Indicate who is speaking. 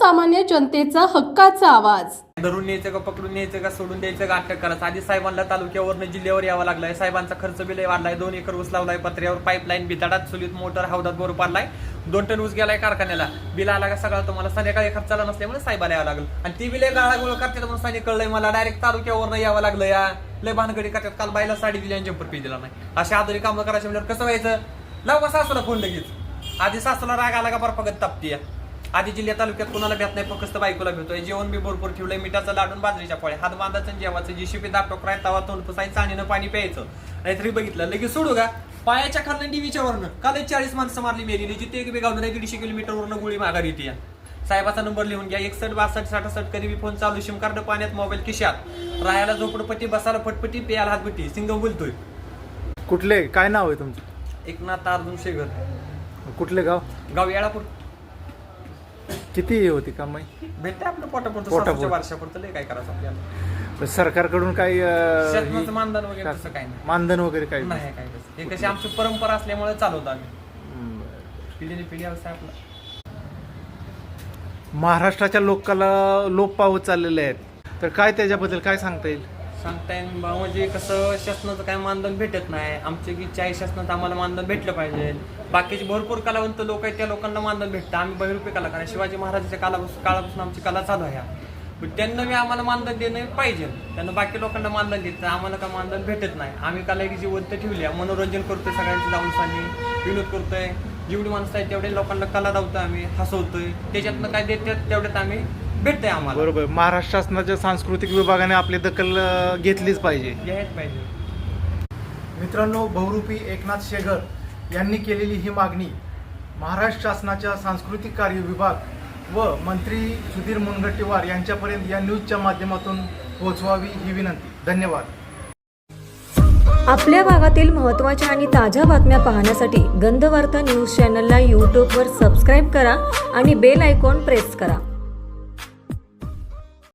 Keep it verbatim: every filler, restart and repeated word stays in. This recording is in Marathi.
Speaker 1: सर्वसामान्य जनतेचा हक्काचा आवाज।
Speaker 2: धरून न्यायचं का पकडून न्यायचं का सोडून द्यायचं का अटक करायचं। आधी साहेबांना तालुक्यावरनं जिल्ह्यावर यावं लागलाय। साहेबांचा खर्च बिल वाढलाय। दोन एकर ऊस लावलाय पत्र्यावर, पाईपलाईन बिताडात, चुलीत मोटर, हौदात बोर पाडलाय, दोन टन ऊस गेलाय कारखान्याला। बिल आला का सगळं तुम्हाला संध्याकाळी खर्चाला नसल्यामुळे साहेबाला यावं लागलं आणि ती बिले गाळागोळ करतात म्हणून सांगितलं कळलंय मला। डायरेक्ट तालुक्यावरनं यावं लागलं। या लय भानगडी करतात। काल बाईला साडी दिली आणि जम्पर पी दिला नाही। अशा आधुनिक कामं करायचं म्हणजे कसं व्हायचं? लाव का सासूला फोन लगेच। आधी सासूला राग आला का बर्फागत तापतीया। आधी जिल्ह्यात तालुक्यात कोणाला भेट नाही, फक्त बायकोला भेटतोय। जेवण बी भरपूर ठेवलंय, मिठाचं लाडून, बाजरीच्या पोळ्या, हात बांधायचं जेवायचं, जीशीपी दाब टोकराय, तवा तोंड पुसायचं, चाणीनं पाणी प्यायचं। नाहीतरी बघितलं लगेच सोडू का पायाच्या खालनं डीवीच्या वरनं काल चाळीस माणसं मारली मेली। जिथे एक बेगावलं नाही दीडशे किलोमीटर वरनं गोळी माघारी येते। साहेबाचा नंबर लिहून घ्या, एकसष्ट बासष्ट साठसष्ट कधी बी फोन चालू, सिम कार्ड पाण्यात, मोबाईल खिशात, राहायला झोपडपट्टी, बसायला फटपट्टी, प्यायला हातपट्टी। सिंगम बोलतोय।
Speaker 3: कुठले काय नाव आहे तुमचं?
Speaker 2: एकनाथ अर्जुन शेगर।
Speaker 3: कुठले गाव?
Speaker 2: गाव येळापूर।
Speaker 3: किती होती कमाई?
Speaker 2: भेटते आपलं पोटापुरतं,
Speaker 3: पोटापुरतं.
Speaker 2: सासूच्या वर्षापुरतं लय काय करायचं आपल्याला।
Speaker 3: सरकारकडून काही अं,
Speaker 2: शेतमाचं
Speaker 3: ही-
Speaker 2: मानधन वगैरे तसं काही नाही।
Speaker 3: मानधन वगैरे काही
Speaker 2: नाही काय तसं। हे कशी आमची परंपरा असल्यामुळे चालवतो आम्ही।
Speaker 3: हम्म.
Speaker 2: पिढीने पिढी व्यवसाय आपला।
Speaker 3: महाराष्ट्राच्या लोकाला लोप पावत चाललेले आहेत, तर काय त्याच्याबद्दल काय सांगता येईल?
Speaker 2: सांगता येईल बा, म्हणजे कसं शासनाचं काय मानधन भेटत नाही। आमची इच्छा आहे शासनाचं आम्हाला मानधन भेटलं पाहिजे। बाकीचे भरपूर कलावंत लोक आहेत, त्या लोकांना मानधन भेटतं। आम्ही बहिरूपी कलाकार आहे। शिवाजी महाराजांच्या काळापासून काळापासून आमची कला चालू आहे। पण त्यांना बी आम्हाला मानधन देणं पाहिजे। त्यांना बाकी लोकांना मानधन देत नाही, आम्हाला काय मानधन भेटत नाही। आम्ही कला एक जिवंत ठेवली आहे, मनोरंजन करतोय, सगळ्यांची जाऊन सांगणी विनोद करतोय। जेवढी माणसं आहेत तेवढे लोकांना कला दावतोय, आम्ही हसवतोय। त्याच्यातनं काय देतात तेवढ्यात आम्ही भेटतंय आम्हाला।
Speaker 3: बरोबर, महाराष्ट्र शासनाच्या सांस्कृतिक विभागाने आपली दखल अं, घेतलीच पाहिजे,
Speaker 2: घ्यायच पाहिजे।
Speaker 3: मित्रांनो, बहुरूपी एकनाथ शेगर यांनी केलेली ही मागणी महाराष्ट्र शासनाच्या सांस्कृतिक कार्य विभाग व मंत्री सुधीर मुनगंटीवार यांच्यापर्यंत या न्यूजच्या माध्यमातून पोहोचवावी ही विनंती। धन्यवाद।
Speaker 4: आपल्या भागातील महत्त्वाच्या आणि ताज्या बातम्या पाहण्यासाठी गंधवार्ता न्यूज चॅनलला यूट्यूबवर सबस्क्राईब करा आणि बेल आयकॉन प्रेस करा।